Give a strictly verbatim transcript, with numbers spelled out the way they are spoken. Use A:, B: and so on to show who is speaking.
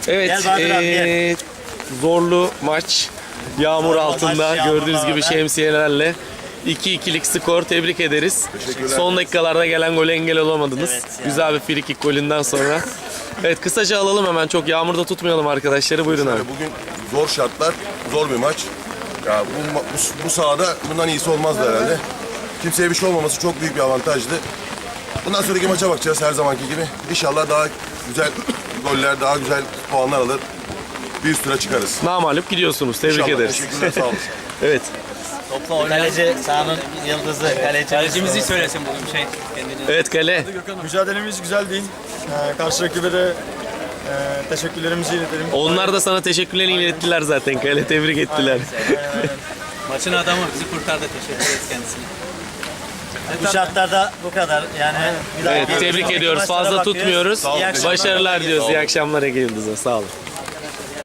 A: Evet,
B: Gel Bahadır abi,
A: ee, zorlu maç. Yağmur
B: Zorlu
A: altında
B: maç,
A: gördüğünüz
B: yağmurla
A: gibi
B: beraber.
A: şemsiyelerle iki ikilik skor, tebrik ederiz. Son dakikalarda gelen gole engel olamadınız.
B: Evet, yani.
A: Güzel bir free kick golünden sonra. Evet, kısaca alalım hemen, çok yağmurda tutmayalım arkadaşları. Buyurun abi.
C: Bugün zor şartlar, zor bir maç. Ya bu, bu, bu sahada bundan iyisi olmazdı herhalde. Kimseye bir şey olmaması çok büyük bir avantajdı. Bundan sonraki maça bakacağız her zamanki gibi. İnşallah daha güzel goller, daha güzel puanlar alır. Bir üst tura çıkarız.
A: Namalup gidiyorsunuz. Tebrik
C: İnşallah.
A: ederiz.
C: Teşekkürler, sağ olun.
A: Evet.
B: Topla oynayan. Kaleci sahanın yıldızı. Kaleci.
D: Kalecimizi söylesin bugün şey kendini.
A: Evet, kale.
E: Mücadelemiz güzel değil. Ee, karşı rakibe de e, teşekkürlerimizi iletelim.
A: Onlar da sana teşekkürlerini ilettiler zaten. Kale tebrik ettiler.
D: Maçın adamı bizi kurtardı. Teşekkür ederiz kendisine.
B: Bu şartlarda bu kadar. Yani bir
A: Evet,
B: dahaki-
A: tebrik
B: sonraki
A: ediyoruz.
B: maçlara
A: Fazla
B: bakıyoruz.
A: tutmuyoruz.
B: İyi akşamlar.
A: Başarılar diyoruz. İyi akşamlar Ege Yıldız'a. Sağ olun.